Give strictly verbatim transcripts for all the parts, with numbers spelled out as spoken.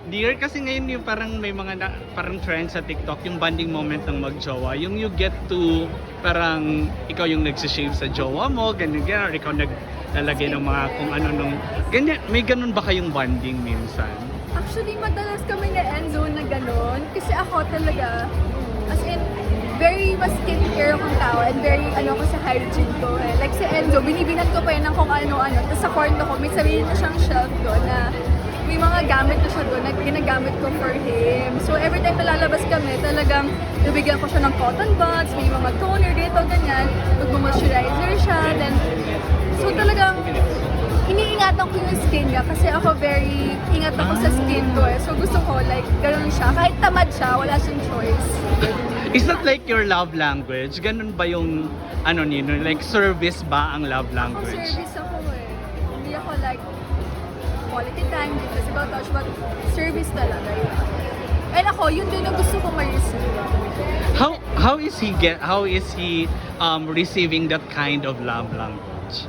Dear, kasi ngayon yung parang may mga na, parang trend sa TikTok, yung bonding moment ng magjowa. Yung you get to, parang ikaw yung nagsishave sa jowa mo, ganyan ganyan, or ikaw naglalagay ng mga kung ano nung, ganyan, may ganun ba kayong bonding minsan? Actually, madalas kami na Enzo na gano'n. Kasi ako talaga, as in, very mas skincare akong tao and very ano ko sa hygiene ko eh. Like si Enzo, binibinan ko pa yun ng kung ano-ano. Tapos sa kwarto ko, may sarili na siyang shelf doon na may mga gamit na siya doon na ginagamit ko for him. So every time na lalabas kami, talagang nabigyan ko siya ng cotton buds, may mga toner dito, ganyan. Mag-moisturizer siya, then so talagang iniingatan ko yung skin niya kasi ako very ingat ako sa skin ko eh. So gusto ko like gano'n siya. Kahit tamad siya, wala siyang choice. Is that like your love language? Ganun ba yung, ano nino, like service ba ang love Ako language? service ako eh. Hindi ako like quality time, hindi physical touch, but service talaga yun. And ako, yun din ang gusto ko ma-receive. How how is he get how is he um receiving that kind of love language?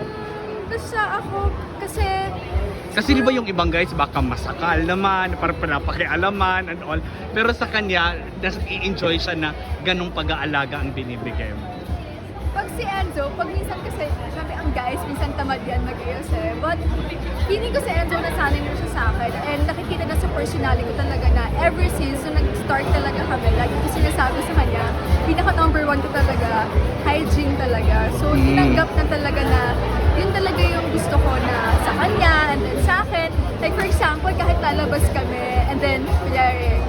Basta ako, kasi Kasi di ba yung ibang guys baka masakal naman, parang pinapakialaman and all. Pero sa kanya, nas i-enjoy siya na ganong pag-aalaga ang binibigay mo. pag si Enzo, pag minsan kasi, sabi ang guys, minsan tamad yan mag-ayos eh. But, feeling ko si Enzo nasanay na siya sa akin. And nakikita na sa personality ko talaga na ever since, so nag-start talaga kami, lagi ko sinasabi sa kanya, pinaka number one ko talaga, hygiene talaga. So, Mm. tinanggap na talaga na, yun talaga yung gusto ko na sa kanya, and then sa akin. Like for example, kahit lalabas kami, and then, kunyari,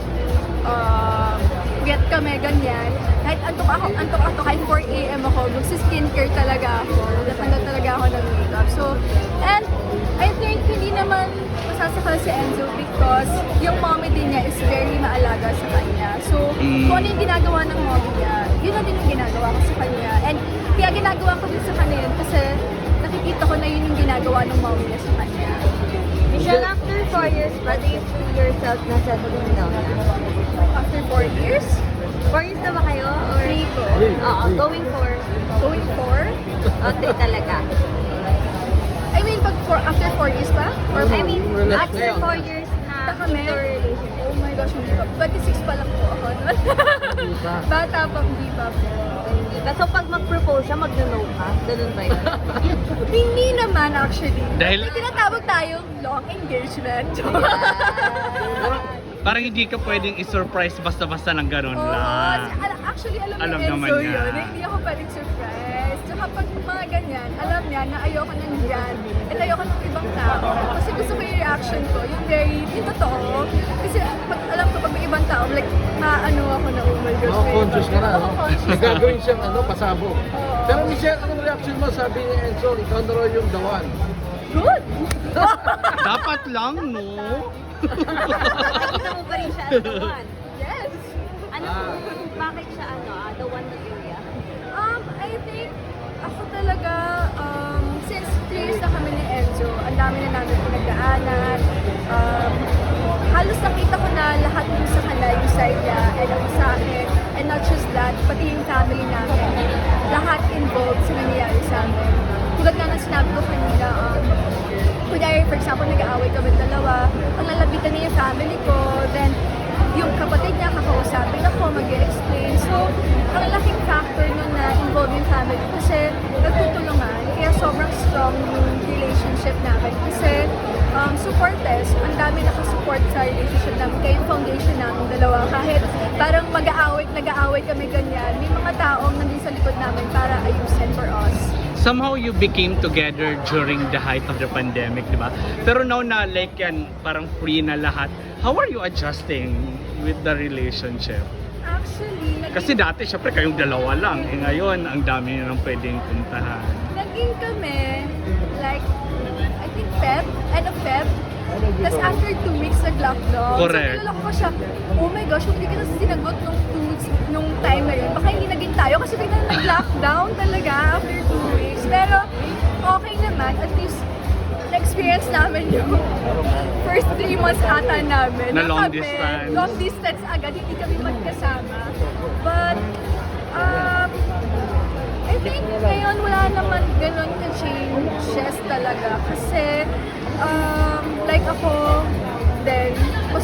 uh, get kami, ganyan. Kahit antok ako, antok ako, kahit four a m ako, magsi-skincare talaga ako. Naganda talaga ako ng makeup. So, and I think hindi naman masasakal si Enzo because yung mommy din niya is very maalaga sa kanya. So, Mm. kung ano yung ginagawa ng mommy niya, yun na din yung ginagawa ko sa kanya. And kaya ginagawa ko din sa kanya yun kasi nakikita ko na yun yung ginagawa ng mommy niya sa kanya. Michelle, after four years, ba do you feel yourself na settling down na? After four years, Four years na ba kayo? Or? three ko. Oo, going for? Going four? O, three talaga. I mean, pag four, after four years pa? Or I mean, after four years na Baka kami? into a relationship. Oh my gosh, hindi pa. twenty-six pa lang po ako. Bata pa, hindi pa po. Hindi ba? So, pag mag-propose siya, mag-no ka? Ganun ba yun? Hindi naman actually. Dahil- May tinatawag tayong long engagement. Parang hindi ka pwedeng i-surprise basta-basta ng ganun Oo, lang. al- actually, alam, Alam ni naman Enzo niya. yun. na Hindi ako pwedeng surprise. Tsaka pag mga ganyan, alam niya na ayoko nandyan. At ayoko ng ibang tao. Kasi gusto ko yung reaction ko. Yung very, yung totoo. Kasi pag alam ko pag may ibang tao, like, maano ako na, oh my gosh. Oh, may conscious ka ibang- na, no? Oo, conscious ako. Gagawin siyang ano, pasabog. Oo. Pero Michelle, anong reaction mo? Sabi ni Enzo, ikaw na raw yung the one. Good! Dapat lang, no? Nakikita mo pa rin siya as the one. Yes! Ano, Ah. bakit siya ano, ah, the one na area? Um, I think ako talaga, um, since three years na kami ni Enzo, ang dami na namin pinagdaanan. Um, halos nakita ko na lahat yung sa kanila, yung side niya, and ako sa akin. And not just that, pati yung family namin. Lahat involved sa nangyayari sa amin. Tulad nga ng sinabi ko kanina, um, kunyari, for example, nag-aaway kami dalawa, ang lalapitan niya yung family ko, then yung kapatid niya, kakausapin ako, mag-explain. So, ang laking factor nun na involved yung family kasi nagtutulungan. Kaya sobrang strong yung relationship namin. Kasi um, supporters, ang dami nakasupport sa relationship namin. Kaya yung foundation namin dalawa, kahit parang mag-aaway, nag-aaway kami ganyan, may mga taong nandun sa likod namin para ayusin for us. Somehow you became together during the height of the pandemic, di ba? Pero now na like yan, parang free na lahat. How are you adjusting with the relationship? Actually, naging, Kasi dati, syempre, kayong dalawa lang. Eh ngayon, ang dami na nang pwedeng puntahan. naging kami, like, I think Feb, end of Feb. Tapos after two weeks nag-lockdown. Correct. So nalala ko siya, oh my gosh, hindi ka na sinagot nung two weeks, nung time na yun. Baka hindi naging tayo kasi biglang nag-lockdown talaga after two weeks. Pero okay naman, at least na-experience namin yung first three months ata namin. Na long kami, distance. Long distance agad, hindi kami magkasama. But, um, I think ngayon wala naman ganun ka-changes talaga kasi um, like ako, then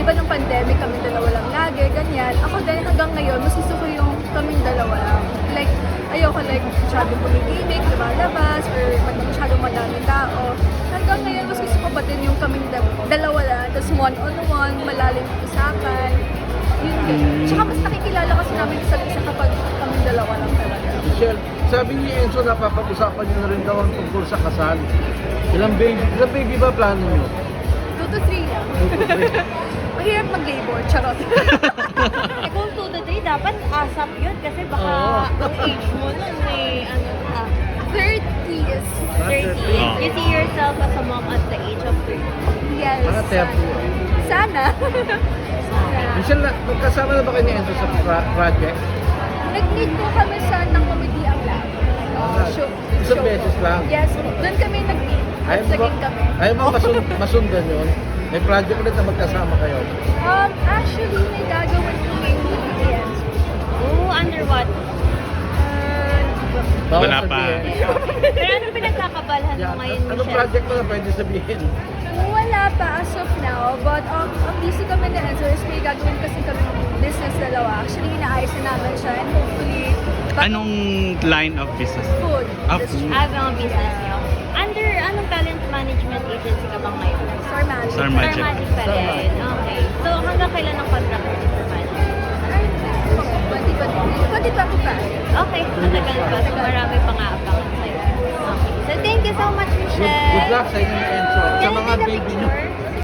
di ba nung pandemic kami dalawa lang lagi, ganyan. Ako din hanggang ngayon, mas gusto ko yung kaming dalawa lang. Like, ayoko like masyadong pumigimik, lumalabas, or mag- masyadong madaming tao. Hanggang ngayon, mas gusto ko pa din yung kaming da- dalawa lang, tapos one-on-one, malalim yung usapan. Yun din. Tsaka mas nakikilala kasi namin isa't isa kapag kaming dalawa lang talaga. Michelle, sabi ni Enzo, napapag-usapan niyo na rin daw ang tungkol sa kasal. Ilang baby, ilang baby ba plano niyo? Two to three lang. Mahirap mag-labor, charot. Eh, kung two to three, dapat asap yun kasi baka Oo. ang age mo nun may ano na. thirties. thirty. Oh. You see yourself as a mom at the age of thirty. Yes. Mga thirty. Sana. Sana. Michelle, na- magkasama na ba kayo ni Enzo sa pra- project? Nag-meet po kami sa ng comedy ang lab. Uh, show, Isang show beses po. lang? Yes, doon kami nag-meet. At Ayaw mo ba, saging kami. ayaw mo masun- masundan yun? May project ulit na magkasama kayo. Um, actually, may gagawin kami with the ends. Oh, under what? Uh, Bawal Wala pa. sabihin. Pero ano pinagkakabalhan mo Yan. ngayon, Anong Michelle? project mo na pwede sabihin? wala pa as of now, but um, ang busy kami na Enzo is may gagawin kasi kami ng business dalawa. Actually, inaayos na namin siya and hopefully, back- Anong line of business? food. Ah, industry. food. Ah, mga business niyo. Under anong talent management agency ka ba ngayon? Star Magic. Star Star Magic. Magic pa rin. Okay. So, hanggang kailan ang contract mo sa Star Magic? twenty twenty-three. twenty twenty-five. Okay, matagal pa. So, marami pang aabangan sa'yo. Okay. So, thank you so much, Good, Michelle. good luck sa inyo